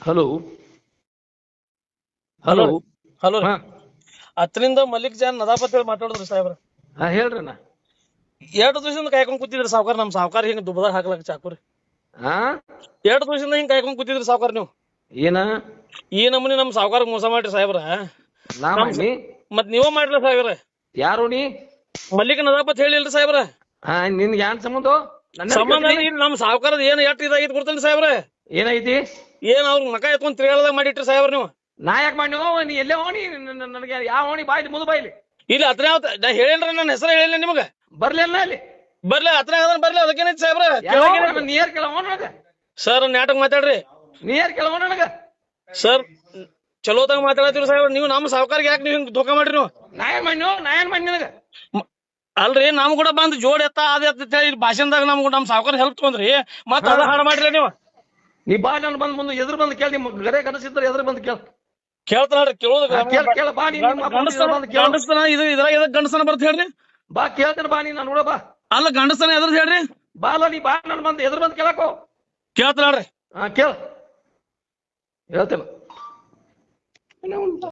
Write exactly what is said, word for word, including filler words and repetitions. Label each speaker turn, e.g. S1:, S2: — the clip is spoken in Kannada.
S1: ಹಲೋ ಹಲೋ
S2: ಹಲೋ ರೀ
S1: ಹಾ
S2: ಹತ್ತರಿಂದ ಮಲ್ಲಿಕ್ ಜಾನ್ ನದಾಪತ್ ಹೇಳಿ ಮಾತಾಡಿದ್ರಿ ಸಾಹೇಬ್ರ.
S1: ಹಾ ಹೇಳ್ರಣ್ಣ.
S2: ಎರಡು ದಿವಸದಿಂದ ಕಾಯ್ಕೊಂಡ್ ಕೂತಿದ್ರಿ ಸಾವ್ಕಾರ, ನಮ್ ಸಾವ್ಕಾರ ಹಿಂಗ್ ದುಬದಾಗ ಹಾಕ್ಲಕ್ ಚಾಕುರಿ.
S1: ಹಾ
S2: ಎರಡು ದಿವಸದಿಂದ ಹಿಂಗ್ ಕಾಯ್ಕೊಂಡ್ ಕೂತಿದ್ರಿ ಸಾವ್ಕಾರ ನೀವು.
S1: ಏನ
S2: ಈ ನಮೂನಿ ನಮ್ ಸಾವ್ಕಾರ ಮೋಸ ಮಾಡ್ರಿ ಸಾಹೇಬ್ರ.
S1: ನಾ
S2: ನಮ್
S1: ಮಾಡಿ
S2: ಮತ್ ನೀವ ಮಾಡ್ರಿ ಸಾಹೇಬ್ರ.
S1: ಯಾರು ನೀ?
S2: ಮಲ್ಲಿಕ್ ನದಾಪತ್ ಹೇಳಿಲ್ರಿ ಸಾಹೇಬ್ರ.
S1: ಹಾ ನಿನ್ಗೆ ಯಾನ್ ಸಂಬಂಧ? ನನ್ನ
S2: ಸಂಬಂಧ
S1: ಕೇಳ್ತೀನಿ.
S2: ಇಲ್ಲಿ ನಮ್ ಸಾವ್ಕಾರದ ಏನ್ ಎಷ್ಟ್ ಇದಾಗಿತ್ತು ಗೊತ್ತೇನ್ರಿ ಸಾಹೇಬ್ರ?
S1: ಏನೈತಿ?
S2: ಏನ್ ಅವ್ರ ಮಕ ಎತ್ಕೊಂಡ್ ತಿರುಗಾಳದಾಗ ಮಾಡಿಟ್ರಿ ಸಾಹೇಬ್ರ ನೀವು.
S1: ನಾ ಯಾಕೆ ಮಾಡಿ ನೀ ಎಲ್ಲೇ ಹೋಣಿ? ನನಗೆ ಯಾವ ಹೋಣಿ ಬಾಯ್ಲಿ ಮುದು ಬಾಯ್ಲಿ
S2: ಇಲ್ಲಿ ಹತ್ರ ನಾ ಹೇಳೇನ್ರಿ, ನನ್ನ ಹೆಸರು ಹೇಳಿಲ್ಲ ನಿಮಗ.
S1: ಬರ್ಲಿಲ್ಲ ಅಲ್ಲಿ
S2: ಬರ್ಲಿ ಹತ್ರ ಬರ್ಲಿ ಅದಕ್ಕೇನೈತಿ ಸಾಹೇಬ್ರ?
S1: ನೀರ್ ಕೇಳವ ನನಗ.
S2: ಸರ್ ನಾಟಕ ಮಾತಾಡ್ರಿ.
S1: ನೀರ್ ಕೇಳವ ನನಗ.
S2: ಸರ್ ಚಲೋತಾಗ ಮಾತಾಡತ್ತೀರಿ ಸಾಹೇಬ್ರ. ನೀವು ನಮ್ಮ ಸಾವ್ಕಾರ್ಗೆ ಯಾಕೆ ನೀವು ಹಿಂಗ್ ಧೋಕಾ ಮಾಡ್ರಿ ನೀವು?
S1: ನಾ ಏನ್ ಮಾಡಿ ನಾ ಏನ್ ಮಾಡಿ ನನಗ?
S2: ಅಲ್ರಿ ನಮ್ ಕೂಡ ಬಂದ್ ಜೋಡ್ ಎತ್ತ ಅದ ಎತ್ತ ಹೇಳಿ ಭಾಷಣದಾಗ ನಮ್ ನಮ್ ಸಾವ್ಕಾರ ಹೆಲ್ಪ್ ತಗೊಂಡ್ರಿ, ಮತ್ತ ಅದ ಹಾಡ ಮಾಡ್ರಿ ನೀವು.
S1: ನೀ ಬಾ ನಾನು ಬಂದ್ ಮುಂದೆ ಎದುರು ಬಂದು ಕೇಳಿ, ನಿಮ್ ಗರೆ ಕನಸಿದ್ರೆ ಎದುರು ಬಂದು ಕೇಳ
S2: ಕೇಳ್ತಾರ ನೋಡ್ರಿ, ಕೇಳೋದು
S1: ಕೇಳ ಕೇಳ ಬಾ ನೀ
S2: ಗಂಡಸ್ತನ ಇದು ಇದ್ರಾಗ ಎದಕ್ ಗಂಡಸ್ತನ ಬರ್ತ ಹೇಳ್ರಿ?
S1: ಬಾ ಕೇಳ್ತೇನೆ ಬಾ ನೀ ನಾನು ನೋಡ ಬಾ.
S2: ಅಲ್ಲ ಗಂಡಸ್ತನ ಎದ್ರದ್ ಹೇಳ್ರಿ?
S1: ಬಾ ಅಲ್ಲ ನೀ ಬಾ ನಾನು ಬಂದು ಎದುರು ಬಂದು ಕೇಳಕೋ.
S2: ಕೇಳ್ತಾರ ನೋಡ್ರಿ.
S1: ಹಾ ಕೇಳ ಹೇಳ್ತೇನೆ.